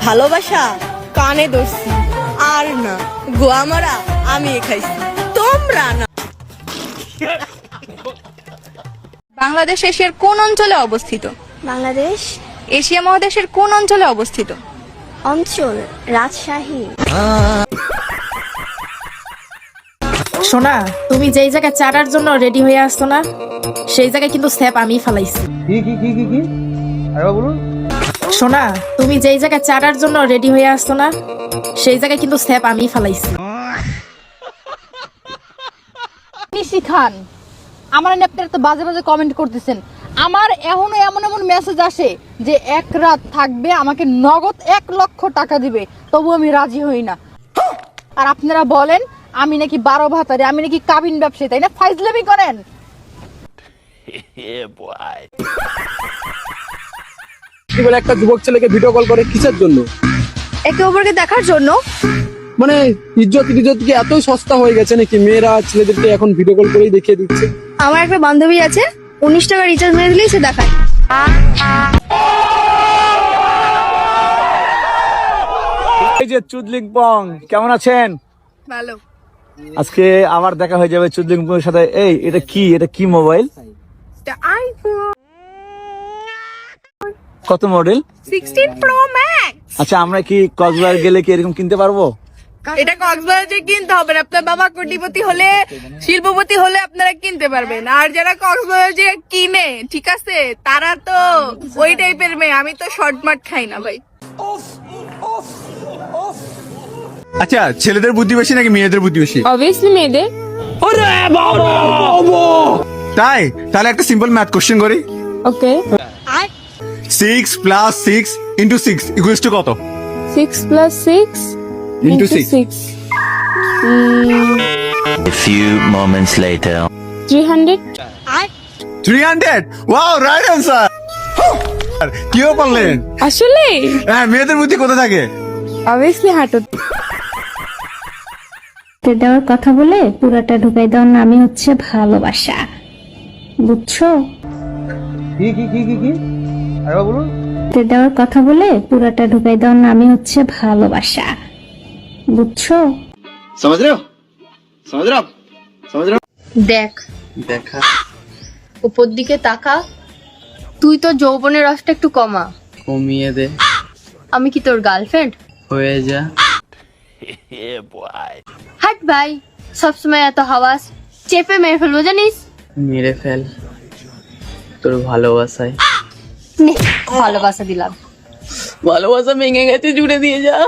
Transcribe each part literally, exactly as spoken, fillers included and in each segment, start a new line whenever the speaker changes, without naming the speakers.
ভালোবাসা কানে ধরছি আর না গোয়া মারা আমি খাইছি তোমরা না।
বাংলাদেশ এশিয়ার কোন অঞ্চলে অবস্থিত?
বাংলাদেশ
এশিয়া মহাদেশের কোন অঞ্চলে অবস্থিত?
অঞ্চল রাজশাহী।
সোনা, তুমি যেই জায়গায় চাটার জন্য রেডি হয়ে আসছো না, সেই জায়গায় কিন্তু স্যাপ আমি ফালাইছি।
কি কি কি কি কি আরে বলুন।
সোনা, তুমি যেই জায়গায় চাটার জন্য রেডি হয়ে আসছো না, সেই জায়গায় কিন্তু স্যাপ আমি ফালাইছি।
নিশি খান, আমার আপনারা তো বাজে বাজে কমেন্ট করতেছেন। আমার এখনো এমন এমন মেসেজ আসে যে এক রাত থাকবে, আমাকে নগদ এক লক্ষ টাকা দিবে, তবু আমি রাজি হই না। আর আপনারা বলেন আমি নাকি বারো ভাতারে, আমি নাকি কাবিন ব্যবসায়ী, তাই না? ফাইজলামি করেন।
বলে একটা যুবক ছেলেকে ভিডিও কল করে কিসের জন্য?
একে অপরকে দেখার জন্য।
মানে ইজ্জত ইজ্জত কি এতই সস্তা হয়ে গেছে নাকি মেয়েরা ছেলেদেরকে এখন ভিডিও কল করেই দেখিয়ে দিচ্ছে?
আমার একটা বান্ধবী আছে, উনিশ টাকা রিচার্জ মেরে দিলেই সে দেখায়।
এই যে চুদলিং পং, কেমন আছেন?
ভালো।
আজকে আবার দেখা হয়ে যাবে চুদলিং পং এর সাথে। এই এটা কি, এটা কি মোবাইল?
আইফোন
কত মডেল?
Sixteen pro max.
আচ্ছা, আমরা কি কক্সবাজার গেলে কি এরকম কিনতে পারবো?
এটা কক্সবাজারে কিনতে হবে না, আপনার বাবা কোটিপতি হলে শিল্পপতি হলে আপনারা কিনতে পারবেন। আর যারা কক্সবাজারে কিনে, ঠিক আছে, তারা তো ওই টাইপের মেয়ে। আমি তো শর্ট মার্ট খাই না ভাই।
আচ্ছা, ছেলেদের বুদ্ধি বেশি নাকি মেয়েদের বুদ্ধি বেশি?
অবভিয়াসলি মেয়েদের।
তাই তাহলে একটা সিম্পল ম্যাথ কোশ্চেন করি।
Okay.
Six plus six into six equals to কত?
Six plus six
into six
A few moments later.
Three hundred.
Three hundred. Wow, right answer. কিও পারলেন?
আসলে
হ্যাঁ, মেয়েদের বুদ্ধি কোথায় থাকে?
অবভিয়াসলি হাঁটু।
দেওয়ার কথা বলে পুরাটা ঢুকাই দেওয়ার নামই হচ্ছে ভালোবাসা, বুঝছো?
কি কি কি কি কি আরে বলুন।
দেওয়ার কথা বলে পুরাটা ঢুকাই দেওয়ার নামই হচ্ছে ভালোবাসা, বুঝছো?
समझ रहे हो? समझ रहे हो? समझ रहे हो?
দেখ,
দেখা
উপর দিকে তাকা। তুই তো যৌবনের রসটা একটু কমা।
কমিয়ে দে,
আমি কি তোর গার্লফ্রেন্ড?
হয়ে যা।
হাট ভাই, সবসময় এত হাওয়াস, চেপে মেরে ফেলবো জানিস।
মেরে ফেল তোর ভালোবাসায়।
নে, ভালোবাসা দিলাম।
ভালোবাসা ভেঙে গেছে, জুড়ে দিয়ে যা।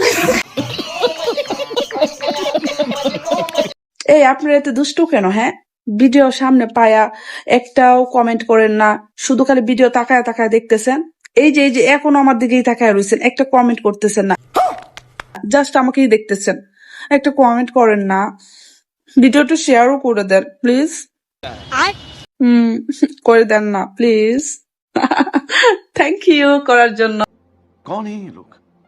এই আপনারা এত দুষ্টু কেন? হ্যাঁ, ভিডিও সামনে পায়া একটাও কমেন্ট করেন না, শুধু খালি ভিডিও তাকায় তাকায় দেখতেছেন। এই যে এই যে এখনো আমার দিকেই তাকায় রয়েছেন, একটা কমেন্ট করতেছেন না, জাস্ট আমাকেই দেখতেছেন, একটা কমেন্ট করেন না। ভিডিওটা শেয়ারও করে দেন প্লিজ। হুম, করে দেন না প্লিজ। থ্যাংক ইউ করার জন্য।
कौन है ये लोग?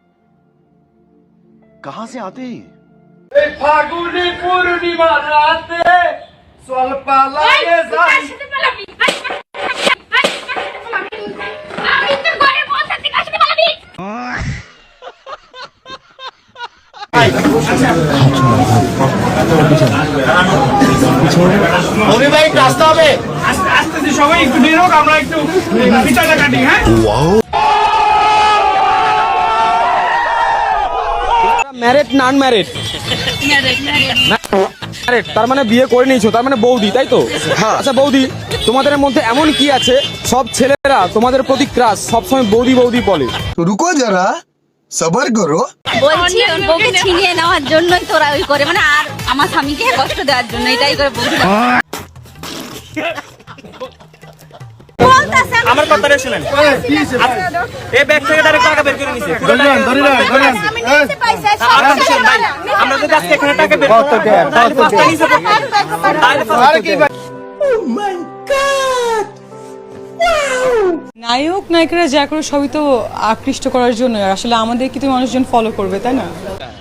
कहां से आते हैं?
ফাগুনি পূর্ণিমা রাতে স্বল্প লাগে যাই। ওরে ভাই, রাস্তা হবে আস্তে আস্তে, সবাই একটু বের হোক, আমরা একটু পিছাটা কাটি। হ্যাঁ, ম্যারেড না আনম্যারেড? ম্যারেড, তার মানে বিয়ে করে নিয়েছো, তার মানে বৌদি, তাই তো? আচ্ছা বৌদি, তোমাদের মধ্যে এমন কি আছে সব ছেলেরা তোমাদের প্রতি ক্রাশ, সবসময় বৌদি বৌদি বলে?
रुको जरा, सबर करो।
বলছি ওর বউকে ছিনিয়ে নেওয়ার জন্যই তোরা ওই করে, মানে আর আমার স্বামীকে কষ্ট দেওয়ার জন্য এটাই করে বলছি।
আমার কথাটা শুনেন। এই ব্যাগ থেকে ডাইরেক্ট টাকা বের করে নিছে। আমরা যদি আজকে এখানে টাকা বের করি, তাহলে পাঁচটা নিছে তাহলে কি?
নায়ক নায়িকারা যা করে সবই তো আকৃষ্ট করার জন্য। আসলে আমাদের কি তো মানুষজন ফলো করবে, তাই না?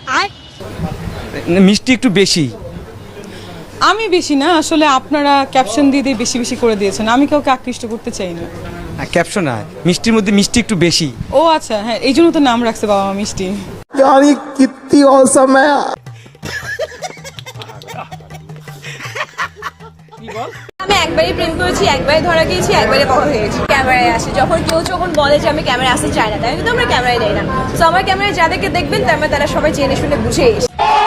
মিষ্টি একটু বেশি।
আমি বেশি না, আসলে আপনারা ক্যাপশন দিয়ে দিয়ে বেশি বেশি করে দিয়েছেন। আমি কাউকে আকৃষ্ট করতে চাই না।
ক্যাপশন না, মিষ্টির মধ্যে মিষ্টি একটু বেশি।
ও আচ্ছা, হ্যাঁ এই জন্য তো নাম রাখছে বাবা মা মিষ্টি।
আমি একবারই প্রেম করেছি, একবারই ধরা গিয়েছি, একবারই বড় হয়ে গেছি। ক্যামেরায় আসে যখন কেউ যখন বলে যে আমি ক্যামেরায় আসতে চাই না, তাই কিন্তু আমরা ক্যামেরায় দেয় না। তো আমার ক্যামেরায় যাদেরকে দেখবেন তার মানে তারা সবাই জেনে শুনে বুঝে এসে